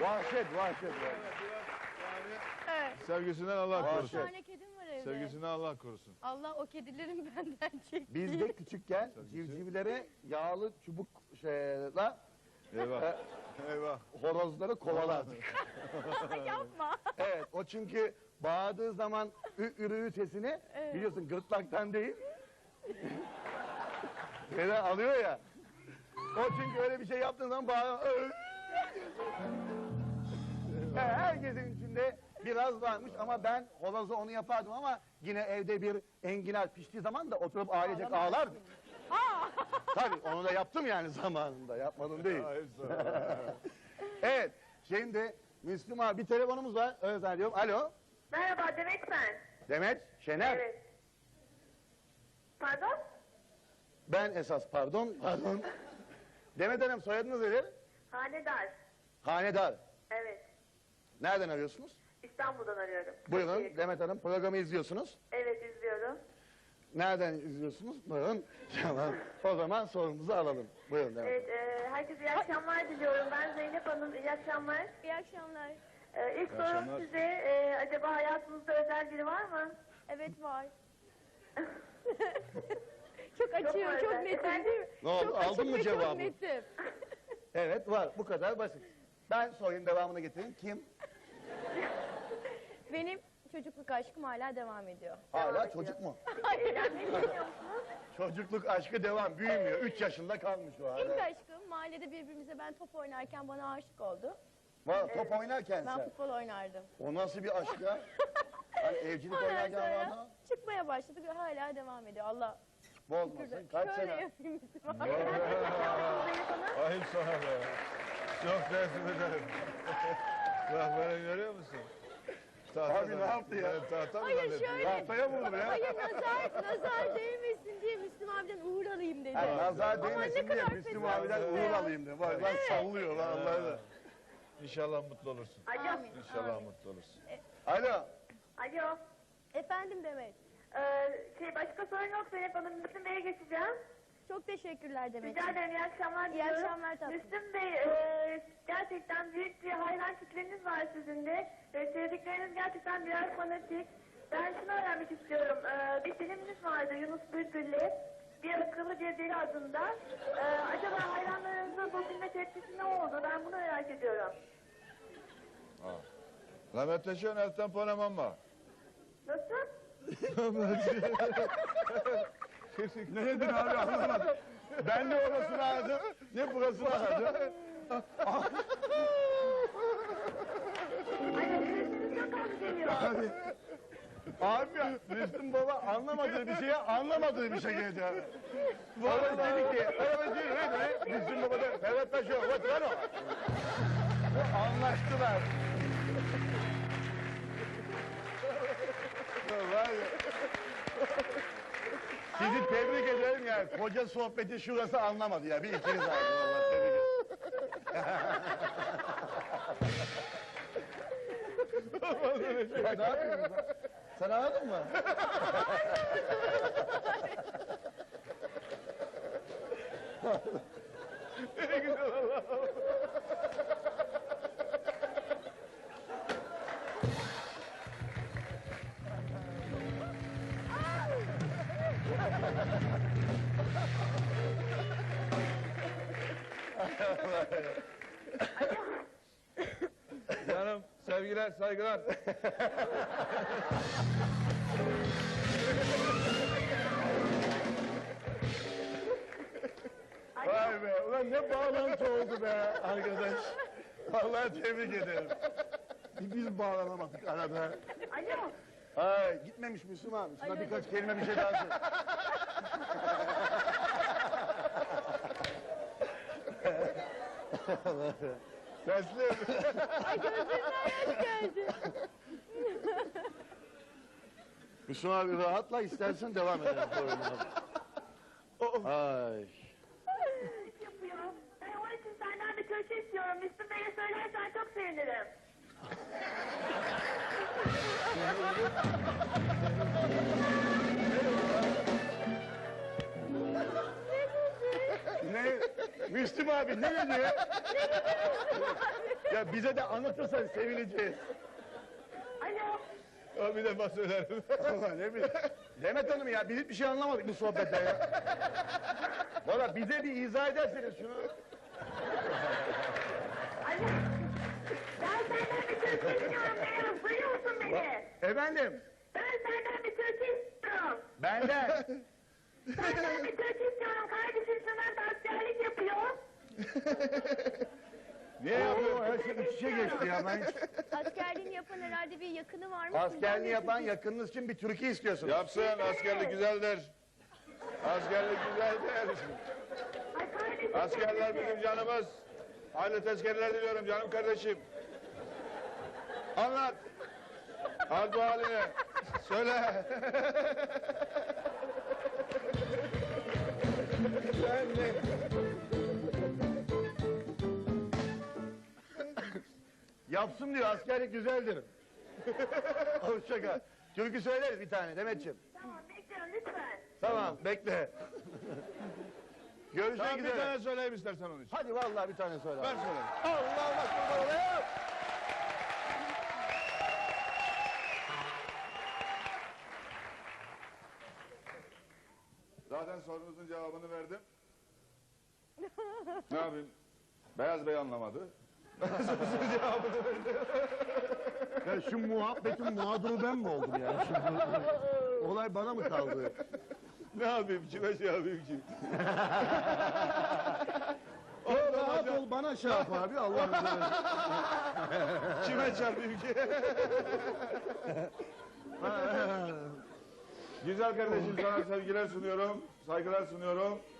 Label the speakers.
Speaker 1: Vahşet.
Speaker 2: Evet.
Speaker 3: Sevgisinden Allah
Speaker 2: Bir
Speaker 3: korusun.
Speaker 2: tane kedim var evde.
Speaker 3: Sevgisinden Allah korusun.
Speaker 2: Allah o kedilerin benden çekti.
Speaker 1: Biz de küçükken civcivlere yağlı çubuk şeyle
Speaker 3: Eyvah. Eyvah.
Speaker 1: horozları kovalardık.
Speaker 2: Yapma.
Speaker 1: Evet, o çünkü bağırdığı zaman ürüğü sesini biliyorsun gırtlaktan değil. Şeyden alıyor ya. O çünkü öyle bir şey yaptığın zaman bağırıyor. Herkesin içinde biraz varmış ama ben horoza onu yapardım ama yine evde bir enginar piştiği zaman da oturup ailecek ağlardık. Tabii onu da yaptım yani zamanında. Yapmadım değil.
Speaker 3: Hayır sana.
Speaker 1: Evet, şimdi Müslüm abi bir telefonumuz var. Öyle zannediyorum. Alo,
Speaker 4: Merhaba, Demet ben.
Speaker 1: Demet, Şener.
Speaker 4: Evet. Pardon?
Speaker 1: Ben esas pardon. Demet Hanım soyadınız nedir?
Speaker 4: Hanedar.
Speaker 1: Hanedar.
Speaker 4: Evet.
Speaker 1: Nereden arıyorsunuz?
Speaker 4: İstanbul'dan arıyorum.
Speaker 1: Buyurun
Speaker 4: Peki.
Speaker 1: Demet Hanım programı izliyorsunuz.
Speaker 4: Evet, izliyorum.
Speaker 1: Nereden izliyorsunuz? Buyurun. Tamam. O zaman sorumuzu alalım. Buyurun Demet
Speaker 4: Evet, herkese iyi akşamlar diliyorum. Ben Zeynep Hanım, iyi akşamlar.
Speaker 2: İyi akşamlar.
Speaker 4: İlk sorum
Speaker 3: akşamlar.
Speaker 4: size, acaba hayatınızda özel biri var mı?
Speaker 2: Evet var. Çok açıyor,
Speaker 4: var
Speaker 2: çok
Speaker 4: ben.
Speaker 2: netim değil mi?
Speaker 1: Ne oldu,
Speaker 2: Çok
Speaker 1: aldın
Speaker 2: açık
Speaker 1: mı
Speaker 2: ve
Speaker 1: cevabı?
Speaker 2: Çok netim.
Speaker 1: Evet var. Bu kadar basit. Ben sorayım devamını getireyim. Kim?
Speaker 2: Benim çocukluk aşkım hala devam ediyor.
Speaker 1: Hala çocuk mu?
Speaker 4: Evlenmeyi düşünüyor musunuz?
Speaker 1: Çocukluk aşkı devam. Büyümüyor. 3 yaşında kalmış o
Speaker 2: İlk
Speaker 1: hala.
Speaker 2: aşkım mahallede birbirimize ben top oynarken bana aşık oldu.
Speaker 1: Top oynarken
Speaker 2: Ben
Speaker 1: sen.
Speaker 2: futbol oynardım.
Speaker 1: O nasıl bir aşk ya? Hani evcilik
Speaker 2: Ondan
Speaker 1: oynarken vardı.
Speaker 2: sonra çıkmaya başladık ve hala devam ediyor. Allah
Speaker 1: Bozmasın. Kaç
Speaker 2: şöyle
Speaker 1: sene?
Speaker 2: yapayım.
Speaker 3: Ayıp sana be. Çok teessüf ederim. Bak beni görüyor musun?
Speaker 1: Abi ne yaptı ya?
Speaker 3: Tahta mı
Speaker 2: Hayır
Speaker 3: zannettin?
Speaker 2: şöyle.
Speaker 1: Tahtaya vurdu ya.
Speaker 2: Hayır nazar değmesin diye Müslüm abiden uğur alayım dedi.
Speaker 1: Yani nazar
Speaker 2: Aman ne
Speaker 1: değmesin diye
Speaker 2: kadar
Speaker 1: Müslüm
Speaker 2: fena.
Speaker 1: abiden uğur alayım diye. Bak lan sallıyor lan Allah'ı da.
Speaker 3: İnşallah mutlu olursun.
Speaker 4: Alo.
Speaker 2: Amin.
Speaker 3: İnşallah
Speaker 2: Amin.
Speaker 3: mutlu olursun.
Speaker 1: Alo.
Speaker 4: Alo.
Speaker 2: Efendim Demet.
Speaker 4: Başka sorun yok Zeynep Hanım. Müslüm Bey'e geçeceğim.
Speaker 2: Çok teşekkürler Demet.
Speaker 4: Rica ederim, iyi akşamlar
Speaker 2: İyi
Speaker 4: diliyorum.
Speaker 2: akşamlar tatlım.
Speaker 4: Müslüm Bey, gerçekten büyük bir hayran kitleniz var sizin de. Sevdikleriniz gerçekten birer fanatik. Ben şunu öğrenmek istiyorum. Bir filminiz vardı Yunus Bülbül'le. Bir akıllı bir deli adında. Acaba hayranlarınızın bu filme tepkisi ne oldu? Ben bunu merak ediyorum.
Speaker 3: Rahmetleşiyorsun el temponem var.
Speaker 4: Nasıl?
Speaker 1: Ne dedin abi anlamadım. Ben de orasını aradım. Ne burasını aradım.
Speaker 4: Ay, sesiniz çok az geliyor.
Speaker 1: Abi ya Müslüm baba anlamadığı bir şeye anlamadığı bir şey geldi. Baba dedi ki Müslüm baba da Ferhat Taşıyor. What lan o? Anlaştılar. Var ya. Sizi tebrik ederim yani. Koca sohbeti şurası anlamadı ya. Bir ikiniz aldı vallahi tebrik ederim. Ya ne yapıyorsun? Sen anladın mı? Ne güzel Allah'ım.
Speaker 3: Canım sevgiler saygılar.
Speaker 1: Vay be. Ulan ne bağlantı oldu be arkadaş. Vallahi tebrik ederim. Biz bağlanamadık arada.
Speaker 4: Alo.
Speaker 1: Ay gitmemiş Müslüm abi. Şuna birkaç kelime bir şey daha söyle. Teslim.
Speaker 2: Ay gözümden yaş geldi.
Speaker 1: Müslüm abi rahatla istersen devam edelim programına. Ay.
Speaker 4: Yapıyor. Ben onun için senden bir köşe istiyorum. Müslüm Bey'e söylersen çok sevinirim.
Speaker 1: Ne? Müslüm abi ne dedi? Ya bize de anlatırsan sevineceğiz.
Speaker 4: Alo.
Speaker 3: O bir defa söylerim.
Speaker 1: Allah ne bileyim. Demet Hanım ya biz hiçbir şey anlamadık bu sohbetten ya. Valla bize bir izah ederseniz şunu.
Speaker 4: Alo. Ben senden bir türkü istiyorum Beyaz. Duyuyor musun beni?
Speaker 1: Efendim
Speaker 4: Ben senden bir türkü istiyorum.
Speaker 1: benden.
Speaker 4: Senden bir türkü istiyorum. Kardeşim Şener de askerlik yapıyor.
Speaker 3: Niye
Speaker 1: Oo,
Speaker 3: yapıyorsun?
Speaker 1: her şey iç içe geçti ya ben hiç.
Speaker 2: Askerliğini yapan herhalde bir yakını var mı?
Speaker 1: Askerliğini yapan yakınınız için bir türkü istiyorsunuz.
Speaker 3: Yapsın, askerlik güzeldir. Askerlik güzeldir.
Speaker 4: Ay kardeşim.
Speaker 3: Askerler bizim canımız. Hayırlı tezkereler diliyorum canım kardeşim. Anlat. Hal bu halini. Söyle.
Speaker 1: Ben de. Yapsın diyor askerlik güzeldir. Hoşça kal. Türkü söyleriz bir tane Demetciğim.
Speaker 4: Tamam bekliyorum lütfen.
Speaker 1: Tamam bekle. Görüşmek
Speaker 3: Tamam bir
Speaker 1: üzere.
Speaker 3: tane söyleyeyim istersen onun için.
Speaker 1: Hadi vallahi bir tane söyle.
Speaker 3: Ben söyleyeyim.
Speaker 1: Allah bak kurban olayım.
Speaker 3: Zaten sorunuzun cevabını verdim. Ne yapayım? Beyaz Bey anlamadı.
Speaker 1: Ya şu muhabbetin mağduru ben mi oldum yani? Şimdi, olay bana mı kaldı?
Speaker 3: Ne yapayım? Kime şey yapayım ki?
Speaker 1: Rahat ol bana şey yap abi Allah'ın izniyle.
Speaker 3: Kime çarpayım ki? Güzel kardeşim sana sevgiler sunuyorum, saygılar sunuyorum.